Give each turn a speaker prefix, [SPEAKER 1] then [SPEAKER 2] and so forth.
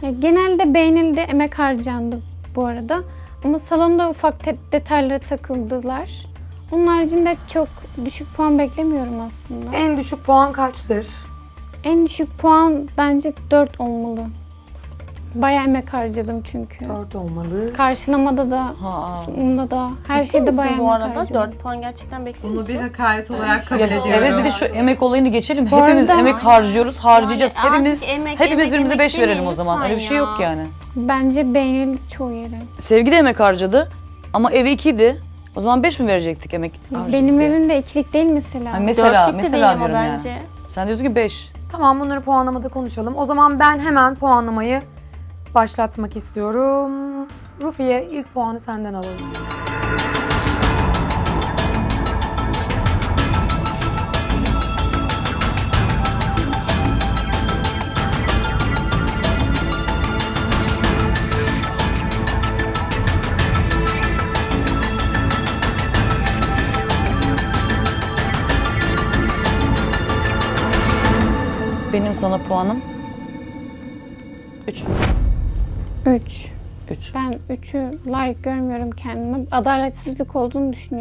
[SPEAKER 1] Ya, genelde beğenildi, emek harcandı bu arada. Ama salonda ufak detaylara takıldılar. Onun haricinde çok düşük puan beklemiyorum aslında.
[SPEAKER 2] En düşük puan kaçtır?
[SPEAKER 1] En düşük puan bence 4 olmalı. Bayağı emek harcadım çünkü.
[SPEAKER 2] 4 olmalı.
[SPEAKER 1] Karşılamada da, sunumda da, her şeyde bayağı
[SPEAKER 3] bu
[SPEAKER 1] emek
[SPEAKER 3] arada
[SPEAKER 1] harcadım.
[SPEAKER 3] 4 puan gerçekten bekliyor
[SPEAKER 4] Bunu bir
[SPEAKER 3] musun?
[SPEAKER 4] hakaret olarak kabul
[SPEAKER 5] Ya,
[SPEAKER 4] ediyorum.
[SPEAKER 5] evet bir de şu emek olayını geçelim.
[SPEAKER 1] Bu
[SPEAKER 5] Hepimiz
[SPEAKER 1] arada-
[SPEAKER 5] emek harcıyoruz, harcayacağız.
[SPEAKER 3] Yani
[SPEAKER 5] hepimiz
[SPEAKER 3] artık emek,
[SPEAKER 5] birbirimize
[SPEAKER 3] emek
[SPEAKER 5] 5 verelim o
[SPEAKER 3] demeyin
[SPEAKER 5] zaman.
[SPEAKER 3] lütfen
[SPEAKER 5] Öyle bir şey
[SPEAKER 3] ya.
[SPEAKER 5] yok yani.
[SPEAKER 1] Bence beğenildi çoğu yere.
[SPEAKER 5] Sevgi de emek harcadı ama evi 2'ydi. O zaman 5 mi verecektik emek harcadık
[SPEAKER 1] Benim
[SPEAKER 5] diye?
[SPEAKER 1] evim de ikilik değil mesela.
[SPEAKER 5] Hani mesela
[SPEAKER 3] Dörtlük de değil ama
[SPEAKER 5] diyorum yani.
[SPEAKER 3] bence.
[SPEAKER 5] Sen diyorsun ki 5.
[SPEAKER 2] Tamam, bunları puanlamada konuşalım. O zaman ben hemen puanlamayı başlatmak istiyorum. Rufiye, ilk puanı senden alalım.
[SPEAKER 5] Benim sana puanım 3.
[SPEAKER 1] 3.
[SPEAKER 5] 3.
[SPEAKER 1] Ben 3'ü layık görmüyorum kendime. Adaletsizlik olduğunu düşünüyorum.